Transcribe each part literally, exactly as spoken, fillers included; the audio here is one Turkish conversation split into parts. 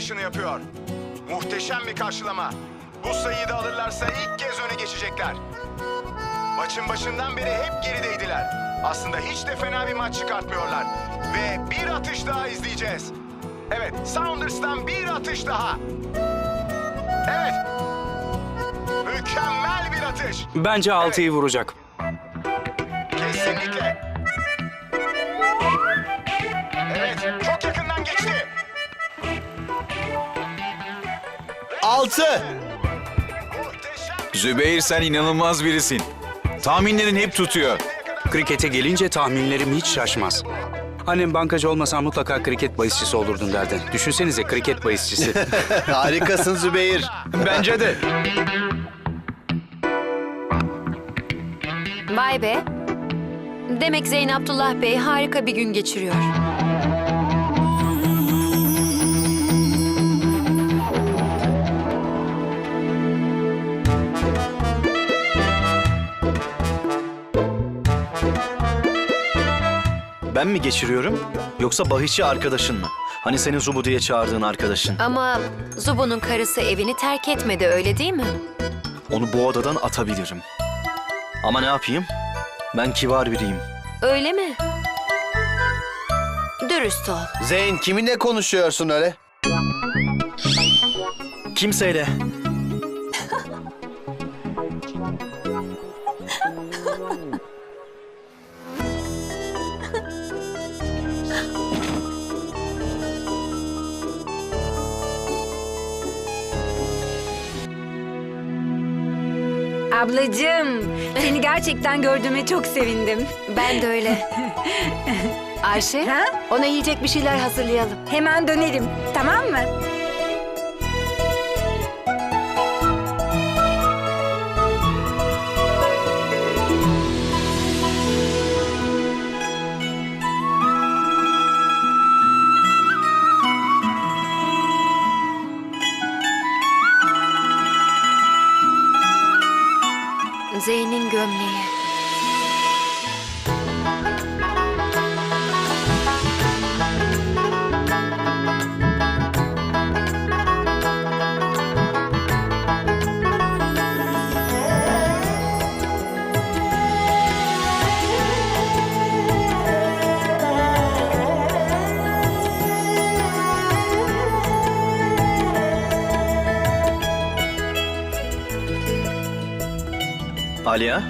açılışını yapıyor. Muhteşem bir karşılama. Bu sayıyı da alırlarsa ilk kez öne geçecekler. Maçın başından beri hep gerideydiler. Aslında hiç de fena bir maç çıkartmıyorlar. Ve bir atış daha izleyeceğiz. Evet, Sounders'tan bir atış daha. Evet. Mükemmel bir atış. Bence altıyı vuracak. Kesinlikle. Evet, çok yakından geçti. Altı. Muhteşem. Zübeyir, sen inanılmaz birisin. Tahminlerin hep tutuyor. Krikete gelince tahminlerim hiç şaşmaz. Annem bankacı olmasan mutlaka kriket bahisçisi olurdun derdi. Düşünsenize kriket bahisçisi. Harikasın Zübeyir. Bence de. Vay be. Demek Zeyn Abdullah Bey harika bir gün geçiriyor. Ben mi geçiriyorum yoksa bahisçi arkadaşın mı? Hani senin Zubu diye çağırdığın arkadaşın. Ama Zubu'nun karısı evini terk etmedi, öyle değil mi? Onu bu odadan atabilirim. Ama ne yapayım? Ben kibar biriyim. Öyle mi? Dürüst ol. Zeyn, kiminle konuşuyorsun öyle? Kimseyle. Ablacığım, seni gerçekten gördüğüme çok sevindim. Ben de öyle. Ayşe, Ha? ona yiyecek bir şeyler hazırlayalım. Hemen dönerim, tamam mı? Zeyn'in gömleği. Aliya.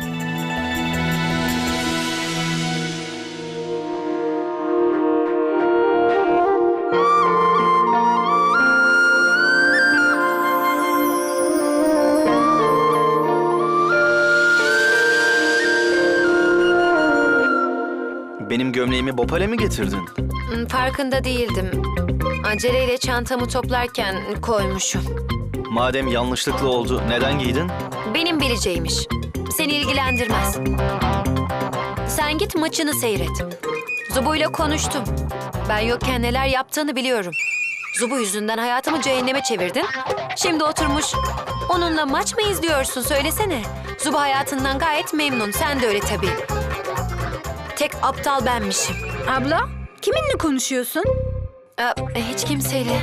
Benim gömleğimi Bopal'e mi getirdin? Hmm, Farkında değildim. Aceleyle çantamı toplarken koymuşum. Madem yanlışlıkla oldu, neden giydin? Benim bileceğimiş. Seni ilgilendirmez. Sen git maçını seyret. Zubu'yla konuştum. Ben yokken neler yaptığını biliyorum. Zubu yüzünden hayatımı cehenneme çevirdin. Şimdi oturmuş onunla maç mı izliyorsun, söylesene. Zubu hayatından gayet memnun. Sen de öyle tabii. Tek aptal benmişim. Abla, kiminle konuşuyorsun? Aa, hiç kimseyle.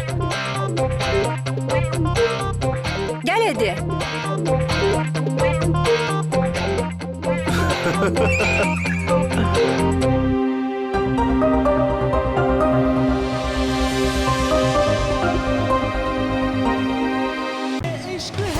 Gel hadi. इश्क